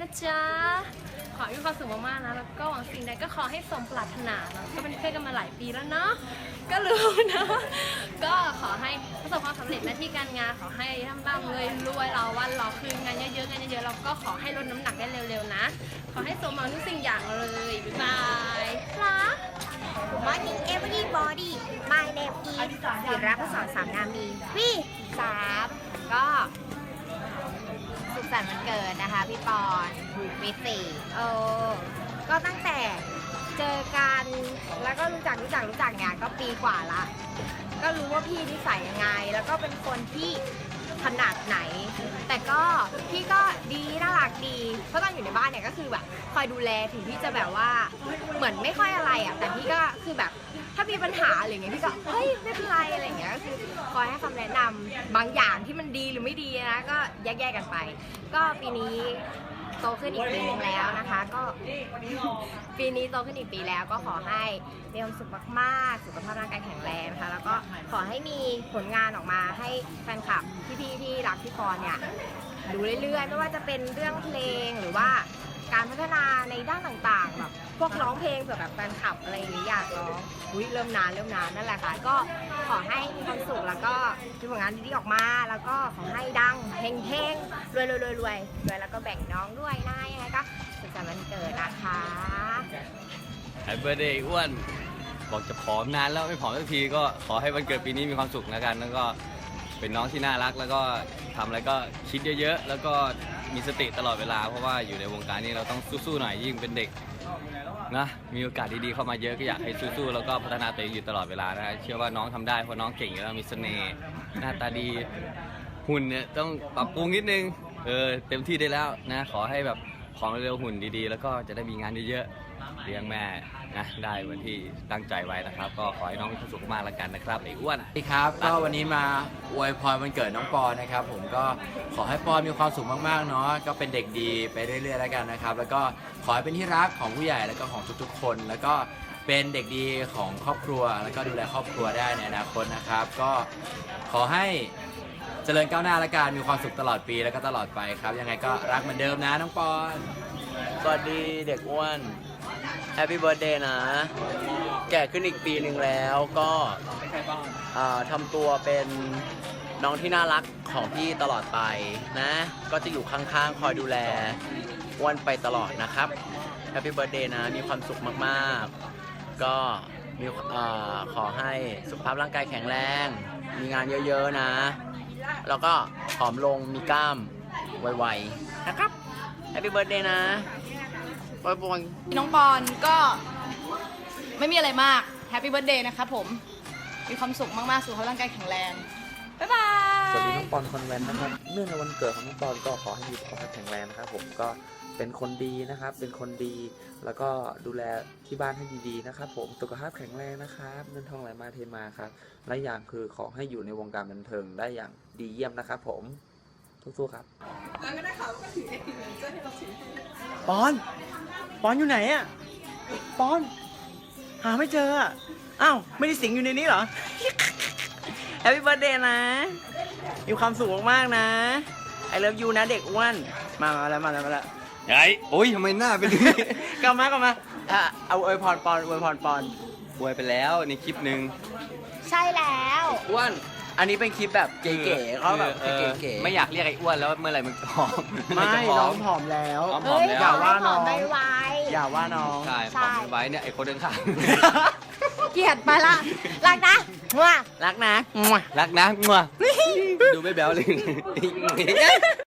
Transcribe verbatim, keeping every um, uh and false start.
นะจ๊ะขอให้มีความสุขมากๆนะแล้วก็หวังสิ่งใดก็ขอให้สมปรารถนาเนาะก็เป็นเพื่อนกันมาหลายปีแล้วเนาะก็รู้นะก็ขอให้ประสบความสำเร็จหน้าที่การงานขอให้ร่ำๆเลยรวยเราวันเราคืนงานเยอะๆงานเยอะๆเราก็ขอให้ลดน้ำหนักได้เร็วๆนะขอให้สมหวังทุกสิ่งอย่างเลยบ๊ายบายรัก Good morning everybody My name is ศิระพศรสามงามดีพี่สามก็สุขสันต์วันเกิดนะคะพี่ปอนวิสี่เออก็ตั้งแต่เจอกันแล้วก็รู้จักรู้จักรู้จักเนี่ยก็ปีกว่าละก็รู้ว่าพี่นิสัยยังไง แล้วก็เป็นคนที่ขนาดไหน แต่ก็พี่ก็ดีน่ารักดีเพราะตอนอยู่ในบ้านเนี่ยก็คือแบบคอยดูแลถึงพี่จะแบบว่าเหมือนไม่ค่อยอะไรอ่ะแต่พี่ก็คือแบบถ้ามีปัญหาอะไรเงี้ยพี่ก็เฮ้ยไม่เป็นไรอะไรเงี้ยก็คือคอยให้คำแนะนำบางอย่างที่มันดีหรือไม่ดีนะก็แยกๆกันไป ก็ปีนี้โตขึ้นอีกปีนึงแล้วนะคะก็ปีนี้โตขึ้นอีกปีแล้วก็ขอให้มีความสุขมากๆสุขภาพร่างกายแข็งแรงนะคะแล้วก็ขอให้มีผลงานออกมาให้แฟนคลับพี่ๆที่รักพี่ปอนเนี่ยดูเรื่อยๆไม่ว่าจะเป็นเรื่องเพลงหรือว่าการพัฒนาในด้านต่างๆแบบพวกร้องเพลงเผื่อแบบแฟนคลับอะไรอย่างนี้อยากร้องอุ้ยเริ่มนานเริ่มนานนั่นแหละค่ะก็ขอให้มีความสุขแล้วก็มีผลงานดีๆออกมาแล้วก็ขอให้ดังเฮงๆรวยๆรวยๆรวยแล้วก็แบ่งน้องด้วยนะยังไงก็สุขสันต์วันเกิดนะคะแฮปปี้เบิร์ธเดย์อ้วนบอกจะผอมนานแล้วไม่ผอมสักทีก็ขอให้วันเกิดปีนี้มีความสุขแล้วกันแล้วก็เป็นน้องที่น่ารักแล้วก็ทำอะไรก็คิดเยอะๆแล้วก็มีสติตลอดเวลาเพราะว่าอยู่ในวงการนี้เราต้องสู้ๆหน่อยยิ่งเป็นเด็กนะมีโอกาสดีๆเข้ามาเยอะก็อยากให้สู้ๆแล้วก็พัฒนาตัวเองอยู่ตลอดเวลานะเชื่อว่าน้องทำได้เพราะน้องเก่งอยู่แล้วมีเสน่ห์หน้าตาดีหุ่นเนี่ยต้องปรับปรุงนิดนึงเออเต็มที่ได้แล้วนะขอให้แบบของเร็วหุ่นดีๆแล้วก็จะได้มีงานเยอะๆเลี้ยงแม่นะได้เหมือนที่ตั้งใจไว้นะครับก็ขอให้น้องมีความสุขมากแล้วกันนะครับไอ้อ้วนสวัสดีครับก็วันนี้มาอวยพรวันเกิดน้องปอนนะครับผมก็ขอให้ปอนมีความสุขมากๆเนาะก็เป็นเด็กดีไปเรื่อยๆแล้วกันนะครับแล้วก็ขอให้เป็นที่รักของผู้ใหญ่แล้วก็ของทุกๆคน แล้วก็เป็นเด็กดีของครอบครัวแล้วก็ดูแลครอบครัวได้ในอนาคตนะครับก็ขอให้เจริญก้าวหน้าและการมีความสุขตลอดปีแล้วก็ตลอดไปครับยังไงก็รักเหมือนเดิมนะน้องปอนสวัสดีเด็กอ้วนแฮปปี้เบิร์ดเดย์นะ แก่ขึ้นอีกปีหนึ่งแล้วก็อ่าทำตัวเป็นน้องที่น่ารักของพี่ตลอดไปนะ ก็จะอยู่ข้างๆ คอยดูแลอ้วนไปตลอดนะครับแฮปปี้เบิร์ดเดย์นะ มีความสุขมากๆ ก็มีอ่าขอให้สุขภาพร่างกายแข็งแรง มีงานเยอะๆนะ แล้วก็ผอมลงมีกล้ามไวๆนะครับแฮปปี้เบิร์ดเดย์นะบอยบอยน้องปอนก็ไม่มีอะไรมากแฮปปี้เบิร์ดเดย์นะครับผมมีความสุขมากๆสุขภาพร่างกายแข็งแรงบ๊ายบายสวัสดีน้องปอนคอนแวนต์นะครับเนื่องในวันเกิดของน้องปอนก็ขอให้มีสุขภาพแข็งแรงนะครับผมก็เป็นคนดีนะครับเป็นคนดีแล้วก็ดูแลที่บ้านให้ดีๆนะครับผมสุขภาพแข็งแรงนะครับเงินทองไหลมาเทมาครับและอย่างคือขอให้อยู่ในวงการบันเทิงได้อย่างดีเยี่ยมนะครับผมสู้ๆครับปอน ปอนอยู่ไหนอะปอน หาไม่เจออะอ้าว ไม่ได้สิงอยู่ในนี้เหรอ แฮปปี้เบิร์ดเดย์นะ มีความสุขมากๆนะ ไอเลิฟยูนะเด็กอ้วน มาแล้วมาแล้วมาแล้วไอ้โอ้ยทำไมหน้าเป็นอย่างนี้กลับมากลับมาอ่ะเอาอวยพรปอนอวยพรปอนอวยไปแล้วในคลิปหนึ่งใช่แล้วอ้วนอันนี้เป็นคลิปแบบเก๋ๆเขาแบบออเก๋ๆไม่อยากเรียกไอ้อ้วนแล้วเมื่อไหร่มึงผอมไม่เอหร่จะผน้อองมผอมแล้วน้องผอมเฮ้ยแล้วอย่าว่าน้องไม่ไวอย่าว่าน้องใช่ผอมไว้เนี่ยไอ้คนเดินข้างเกลียดไปละรักนะมั่วรักนะรักนะงัวดูไม่แบ๊วเลย